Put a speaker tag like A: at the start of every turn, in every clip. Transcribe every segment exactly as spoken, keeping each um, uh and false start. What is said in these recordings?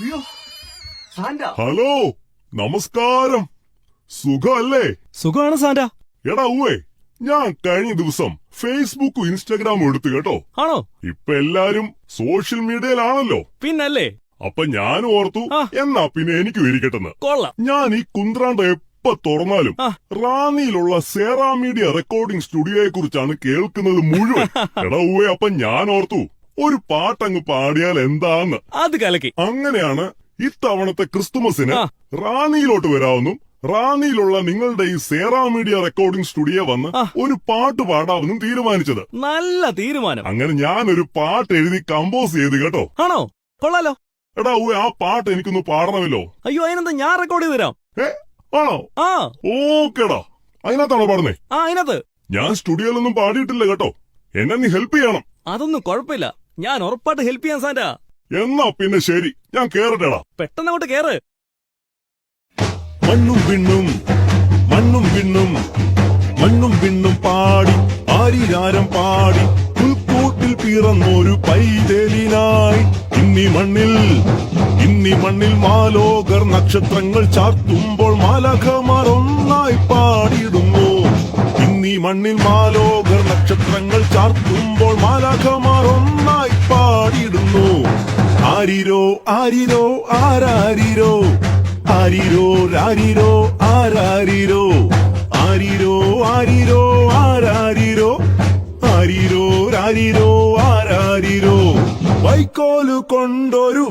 A: Hello, നമസ്കാരം. സുഖമല്ലേ?
B: സുഖമാണ് സാന്റ.
A: എടാ ഉവേ, ഞാൻ കഴിഞ്ഞ ദിവസം ഫേസ്ബുക്കും ഇൻസ്റ്റാഗ്രാമും എടുത്തു കേട്ടോ.
B: ആണോ?
A: ഇപ്പൊ എല്ലാരും സോഷ്യൽ മീഡിയയിലാണല്ലോ.
B: പിന്നല്ലേ.
A: അപ്പൊ ഞാൻ ഓർത്തു എന്നാ പിന്നെ എനിക്ക് ഇരിക്കട്ടെന്ന്.
B: കൊള്ളാം.
A: ഞാൻ ഈ കുന്ത്രാണ്ട എപ്പ തുറന്നാലും റാന്നിയിലുള്ള സേറാ മീഡിയ റെക്കോർഡിംഗ് സ്റ്റുഡിയോയെ കുറിച്ചാണ് കേൾക്കുന്നത് മുഴുവൻ. എടാ ഉവേ, അപ്പൊ ഞാൻ ഓർത്തു ഒരു പാട്ടങ്ങ് പാടിയാൽ എന്താന്ന്.
B: അത് കലക്കി.
A: അങ്ങനെയാണ് ഇത്തവണത്തെ ക്രിസ്തുമസിന് റാന്നിയിലോട്ട് വരാവുന്നും റാന്നിയിലുള്ള നിങ്ങളുടെ ഈ സേറാ മീഡിയ റെക്കോർഡിംഗ് സ്റ്റുഡിയോ വന്ന് ഒരു പാട്ട് പാടാമെന്നും തീരുമാനിച്ചത്.
B: നല്ല തീരുമാനം.
A: അങ്ങനെ ഞാനൊരു പാട്ട് എഴുതി കമ്പോസ് ചെയ്ത് കേട്ടോ.
B: ആണോ? കൊള്ളാലോ.
A: എടാ ഊ, ആ പാട്ട് എനിക്കൊന്ന് പാടണമല്ലോ.
B: അയ്യോ, അതിനെന്താ, ഞാൻ റെക്കോർഡ് ചെയ്ത് തരാം.
A: ഏ ആണോ?
B: ആ
A: ഓക്കേടാ. അതിനകത്താണോ പാടുന്നേ?
B: ആ അതിനകത്ത്.
A: ഞാൻ സ്റ്റുഡിയോയിലൊന്നും പാടിയിട്ടില്ല കേട്ടോ. എന്നെ നീ ഹെൽപ്പ് ചെയ്യണം.
B: അതൊന്നും കുഴപ്പമില്ല, ഞാൻ ഉറപ്പായിട്ട് ഹെൽപ്പ് ചെയ്യാൻ സാന്റ.
A: എന്നാ പിന്നെ ശരി, ഞാൻ കേറട്ടെടാ.
B: പെട്ടെന്ന് അങ്ങോട്ട് കേറ്.
A: മണ്ണും പിണ്ണും മണ്ണും പിണ്ണും മണ്ണും പിണ്ണും പാടി ആരിരാരം പാടി പുൽക്കൂട്ടിൽ പിറന്നൊരു പൈതലിനായി ഇന്നീ മണ്ണിൽ ഇന്നീ മണ്ണിൽ മാലോകർ നക്ഷത്രങ്ങൾ ചാർത്തുമ്പോൾ മാലാഖമാർ ഒന്നായി പാടിയിടുന്നു. ഇന്നീ മണ്ണിൽ മാലോകർ നക്ഷത്രങ്ങൾ ചാർത്തുമ്പോൾ മാലാഖമാർ ഒന്നായി പാടിയിടുന്നു. ആരിരോ ആരിരോ ആരാരിരോ ആരിരോ രാരിരോ ആരാരിരോ ആരിരോ ആരിരോ ആരാരിരോ ആരിരോ രാരിരോ ആരാരിരോ. വൈക്കോലു കൊണ്ടൊരു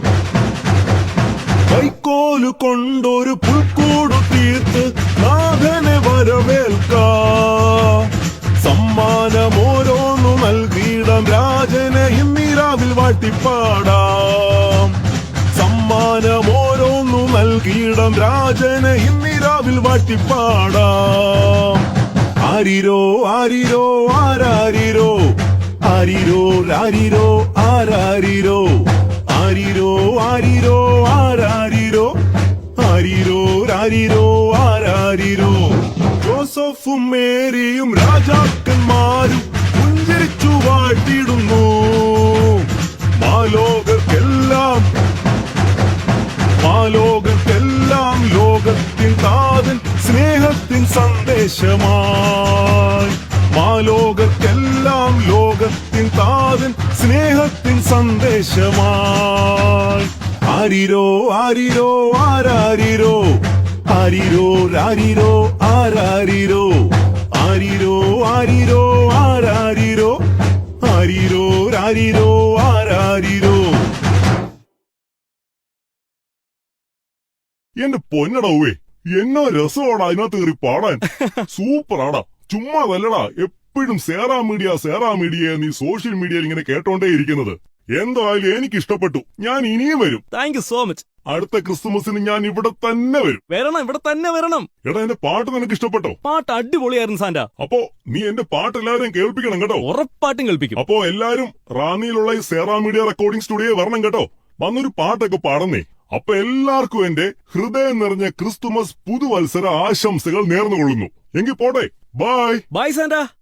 A: വൈക്കോലു കൊണ്ടൊരു പുൽക്കൂടു തീർത്ത് നാഥനെ വരവേൽക്കാം. സമ്മാനമോരോന്നു നൽകിയിടം രാജനെ ഇന്നിരാവിൽ വാട്ടിപ്പാടാം. സമ്മാനമോരോന്നു നൽകിയിടം രാജനെ ഇന്നിരാവിൽ വാട്ടിപ്പാടാം. ആരിരോ ആരിരോ ആരാരിരോ ആരിരോ രാരിരോ ആരാരിരോ ആരിരോ ആരിരോ ആരാരിരോ ആരിരോ രാരിരോ ആരാരിരോ. ജോസഫും മേരിയും രാജാക്കന്മാരും പുഞ്ചിരിച്ചു വാഴ്ത്തിടുന്നു. മാലോകർക്കെല്ലാം മാലോകർക്കെല്ലാം ലോകത്തിൻ താതൻ സ്നേഹത്തിൻ സന്ദേശമായി. മാലോകർക്കെല്ലാം ലോകത്തിൻ താതൻ സ്നേഹത്തിൻ സന്ദേശമായി. ആരിരോ ആരിരോ ആരാരിരോ ആരിരോ രാരിരോ ആരാരിരോ ആരിരോ ആരിരോ ആരാരിരോ ആരിരോ രാരിരോ ആരാരിരോ. എന്റെ പൊന്നടവേ, എന്നോ രസമാടാ അതിനകത്ത് കയറി പാടാൻ. സൂപ്പറാടാ. ചുമ്മാ വല്ലടാ എപ്പോഴും സേറാ മീഡിയ സേറാ മീഡിയ നീ സോഷ്യൽ മീഡിയയിൽ ഇങ്ങനെ കേട്ടോണ്ടേ ഇരിക്കുന്നത്. എന്തായാലും എനിക്ക് ഇഷ്ടപ്പെട്ടു. ഞാൻ ഇനിയും വരും.
B: Thank you so much.
A: അടുത്ത ക്രിസ്തുമസിന് ഞാൻ ഇവിടെ തന്നെ വരും.
B: വരണം, ഇവിടെ തന്നെ വരണം.
A: എടാ, എന്റെ പാട്ട് നിനക്ക് ഇഷ്ടപ്പെട്ടോ?
B: പാട്ട് അടിപൊളിയായിരുന്നു സാന്റ.
A: അപ്പോ നീ എന്റെ പാട്ട് എല്ലാവരും കേൾപ്പിക്കണം കേട്ടോ.
B: ഉറപ്പായിട്ടും കേൾപ്പിക്കും.
A: അപ്പോ എല്ലാരും റാന്നിയിലുള്ള ഈ സേറാ മീഡിയ റെക്കോർഡിംഗ് സ്റ്റുഡിയോ വരണം കേട്ടോ. വന്നൊരു പാട്ടൊക്കെ പാടുന്നേ. അപ്പൊ എല്ലാവർക്കും എന്റെ ഹൃദയം നിറഞ്ഞ ക്രിസ്തുമസ് പുതുവത്സര ആശംസകൾ നേർന്നുകൊള്ളുന്നു. എങ്കിൽ പോട്ടെ. Bye
B: bye Santa.